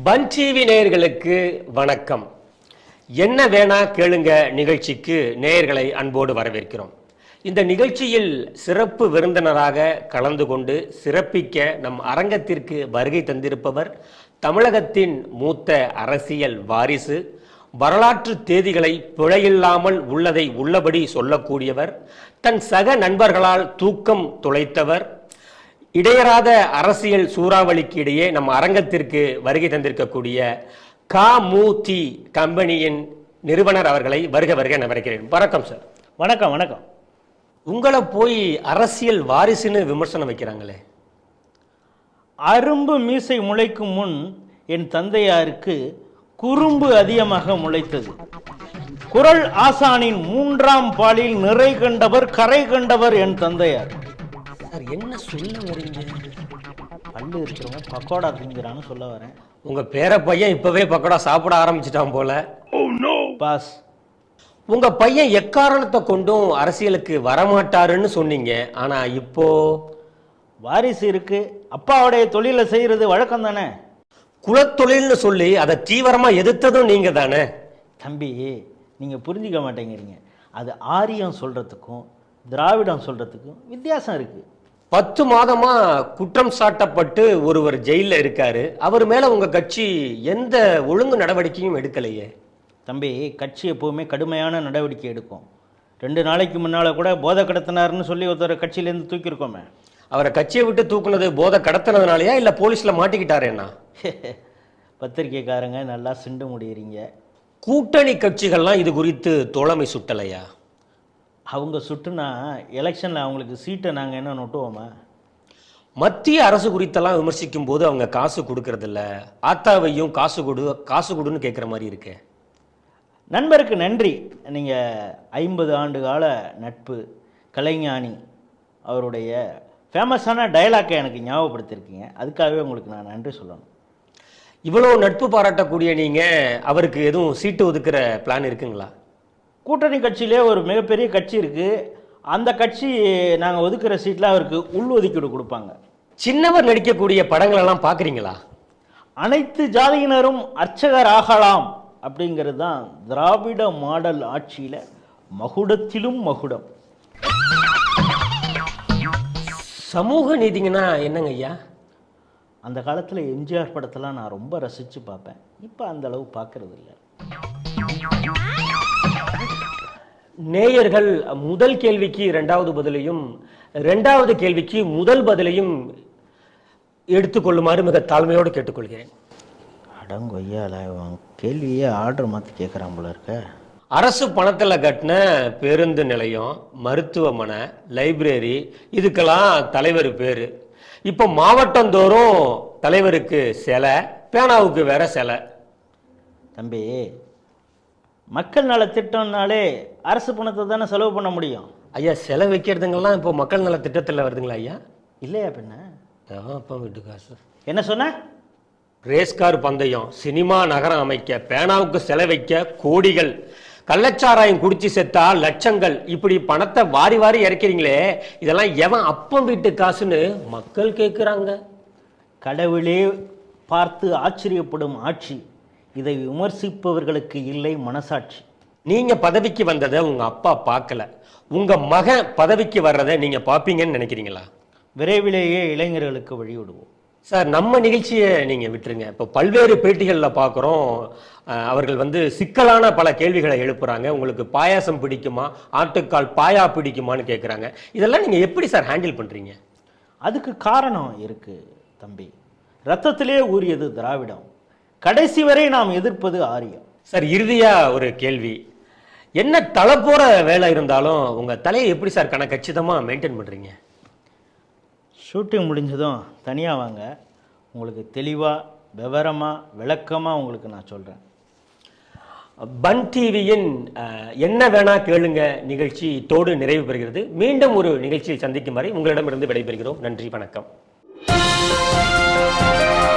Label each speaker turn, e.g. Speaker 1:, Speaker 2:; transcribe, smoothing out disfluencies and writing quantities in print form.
Speaker 1: பன் TV நேயர்களுக்கு வணக்கம். என்ன வேணா கேளுங்க நிகழ்ச்சிக்கு நேயர்களை அன்போடு வரவேற்கிறோம். இந்த நிகழ்ச்சியில் சிறப்பு விருந்தினராக கலந்து கொண்டு சிறப்பிக்க நம் அரங்கத்திற்கு வருகை தந்திருப்பவர் தமிழகத்தின் மூத்த அரசியல் வாரிசு, வரலாற்று தேதிகளை பிழையில்லாமல் உள்ளதை உள்ளபடி சொல்லக்கூடியவர், தன் சக நண்பர்களால் தூக்கம் துளைத்தவர், இடையராத அரசியல் சூறாவளிக்கு இடையே நம்ம அரங்கத்திற்கு வருகை தந்திருக்கக்கூடிய கமுதி கம்பெனியின் நிறுவனர் அவர்களை வருக வருக நான் வரவேற்கிறேன். வணக்கம் சார்.
Speaker 2: வணக்கம். வணக்கம்.
Speaker 1: உங்களை போய் அரசியல் வாரிசுன்னு விமர்சனம் வைக்கிறாங்களே.
Speaker 2: அரும்பு மீசை முளைக்கும் முன் என் தந்தையாருக்கு குறும்பு அதிகமாக முளைத்தது. குரல் ஆசானின் 3ஆம் பாலில் நிறை கண்டவர் கரை கண்டவர் என் தந்தையார்.
Speaker 1: என்ன சொல்ல வரீங்க?
Speaker 2: பல்லு இருக்கிறவங்க பக்கோடா திங்கிறான்னு சொல்ல வரேன்.
Speaker 1: உங்க பேர பையன் இப்பவே பக்கோடா சாப்பிட ஆரம்பிச்சிட்டான் போல.
Speaker 2: பாஸ்,
Speaker 1: உங்க பையன் எக்காரணத்தை கொண்டும் அரசியலுக்கு வரமாட்டாருன்னு சொன்னீங்க. ஆனா இப்போ
Speaker 2: வாரிசு இருக்கு, அப்பாவுடைய தொழிலை செய்யறது வழக்கம் தானே.
Speaker 1: குலத்தொழில்னு சொல்லி அதை தீவிரமா எதிர்த்ததும் நீங்க தானே.
Speaker 2: தம்பி, நீங்க புரிஞ்சிக்க மாட்டேங்கிறீங்க. அது ஆரியம் சொல்றதுக்கும் திராவிடம் சொல்றதுக்கும் வித்தியாசம் இருக்கு.
Speaker 1: 10 மாதமா குற்றம் சாட்டப்பட்டு ஒருவர் ஜெயில இருக்காரு. அவர் மேல உங்க கட்சி எந்த ஒழுங்கு நடவடிக்கையும் எடுக்கலையே.
Speaker 2: தம்பி, கட்சி எப்போவுமே கடுமையான நடவடிக்கை எடுக்கும். 2 நாளைக்கு முன்னால கூட போதை கடத்தினார்னு சொல்லி ஒருத்தர் கட்சியிலேருந்து தூக்கியிருக்கோமே.
Speaker 1: அவரை கட்சியை விட்டு தூக்குனது போதை கடத்தினதுனாலயா இல்ல போலீஸ்ல மாட்டிக்கிட்டாரேண்ணா?
Speaker 2: பத்திரிக்கைக்காரங்க நல்லா சிண்டு முடியறீங்க.
Speaker 1: கூட்டணி கட்சிகள்லாம் இது குறித்து தோழமை சுட்டலையா?
Speaker 2: அவங்க சுட்டுனா எலெக்ஷனில் அவங்களுக்கு சீட்டை நாங்கள் என்ன நொட்டுவோமா?
Speaker 1: மத்திய அரசு குறித்தெல்லாம் விமர்சிக்கும் போது அவங்க காசு கொடுக்கறதில்ல, ஆத்தாவையும் காசு கொடுன்னு கேட்குற மாதிரி இருக்கு.
Speaker 2: நண்பருக்கு நன்றி. நீங்கள் 50 ஆண்டு கால நட்பு, கலைஞானி அவருடைய ஃபேமஸான டைலாக்கை எனக்கு ஞாபகப்படுத்தியிருக்கீங்க. அதுக்காகவே உங்களுக்கு நான் நன்றி சொல்லணும்.
Speaker 1: இவ்வளோ நட்பு பாராட்டக்கூடிய நீங்கள் அவருக்கு எதுவும் சீட்டு ஒதுக்குற பிளான் இருக்குங்களா?
Speaker 2: கூட்டணி கட்சியிலே ஒரு மிகப்பெரிய கட்சி இருக்குது. அந்த கட்சி நாங்கள் ஒதுக்குற சீட்டில் அவருக்கு உள் ஒதுக்கீடு கொடுப்பாங்க.
Speaker 1: சின்னவர் நடிக்கக்கூடிய படங்களெல்லாம் பார்க்குறீங்களா?
Speaker 2: அனைத்து ஜாதியினரும் அர்ச்சகர் ஆகலாம் அப்படிங்கிறது தான் திராவிட மாடல் ஆட்சியில் மகுடத்திலும் மகுடம்.
Speaker 1: சமூக நீதிங்கன்னா என்னங்க ஐயா?
Speaker 2: அந்த காலத்தில் எம்ஜிஆர் படத்தெல்லாம் நான் ரொம்ப ரசித்து பார்ப்பேன். இப்போ அந்த அளவு பார்க்கறது இல்லை.
Speaker 1: நேயர்கள் முதல் கேள்விக்கு 2வது பதிலையும் 2வது கேள்விக்கு முதல் பதிலையும் எடுத்துக்கொள்ளுமாறு மிக தாழ்மையோடு கேட்டுக்கொள்கிறேன்.
Speaker 2: அடங்கொய்யால கேள்வியே ஆர்டர் மாற்றி கேட்குறான் போல இருக்க.
Speaker 1: அரசு பணத்தில் கட்டின பேருந்து நிலையம், மருத்துவமனை, லைப்ரரி, இதுக்கெல்லாம் தலைவர் பேர். இப்போ மாவட்டந்தோறும் தலைவருக்கு சிலை, பேனாவுக்கு வேற சிலை.
Speaker 2: தம்பி, மக்கள் நல திட்டம்னாலே அரசு பணத்தை தானே செலவு பண்ண முடியும்.
Speaker 1: ஐயா, சிலை வைக்கிறதுங்கெல்லாம் இப்போ மக்கள் நல திட்டத்தில் வருதுங்களா ஐயா?
Speaker 2: இல்லையா பின்ன?
Speaker 1: அப்பா வீட்டு காசு.
Speaker 2: என்ன சொன்ன?
Speaker 1: ரேஸ்கார் பந்தயம், சினிமா நகரம் அமைக்க, பேனாவுக்கு சிலை வைக்க கோடிகள், கள்ளச்சாராயம் குடிச்சு செத்தா லட்சங்கள், இப்படி பணத்தை வாரி வாரி இறக்கிறீங்களே, இதெல்லாம் எவன் அப்பம் வீட்டு காசுன்னு மக்கள் கேட்குறாங்க.
Speaker 2: கடவுளே பார்த்து ஆச்சரியப்படும் ஆட்சி. இதை விமர்சிப்பவர்களுக்கு இல்லை மனசாட்சி.
Speaker 1: நீங்க பதவிக்கு வந்ததை உங்க அப்பா பார்க்கல, உங்க மகன் பதவிக்கு வர்றதை நீங்க பார்ப்பீங்கன்னு நினைக்கிறீங்களா?
Speaker 2: விரைவிலேயே இளைஞர்களுக்கு வழிவிடுவோம்.
Speaker 1: சார், நம்ம நிகழ்ச்சியை நீங்க விட்டுருங்க. இப்போ பல்வேறு பேட்டிகளில் பார்க்குறோம், அவர்கள் சிக்கலான பல கேள்விகளை எழுப்புறாங்க. உங்களுக்கு பாயாசம் பிடிக்குமா, ஆட்டுக்கால் பாயா பிடிக்குமான்னு கேட்குறாங்க. இதெல்லாம் நீங்க எப்படி சார் ஹேண்டில் பண்றீங்க?
Speaker 2: அதுக்கு காரணம் இருக்கு தம்பி. ரத்தத்திலே ஊறியது திராவிடம். கடைசி வரை நாம் எதிர்ப்பது ஆரியம்.
Speaker 1: சார், இறுதியா ஒரு கேள்வி. என்ன தலை போற வேலை இருந்தாலும் உங்க தலையை எப்படி சார் கச்சிதமா மெயின்டைன் பண்றீங்க?
Speaker 2: ஷூட்டிங் முடிஞ்சதும் தனியாக வாங்க, உங்களுக்கு தெளிவாக விவரமாக விளக்கமாக உங்களுக்கு நான் சொல்கிறேன்.
Speaker 1: பன் டிவியின் என்ன வேணா கேளுங்க நிகழ்ச்சி தோடு நிறைவு பெறுகிறது. மீண்டும் ஒரு நிகழ்ச்சியில் சந்திக்கும் வரை உங்களிடமிருந்து விடைபெறுகிறோம். நன்றி, வணக்கம்.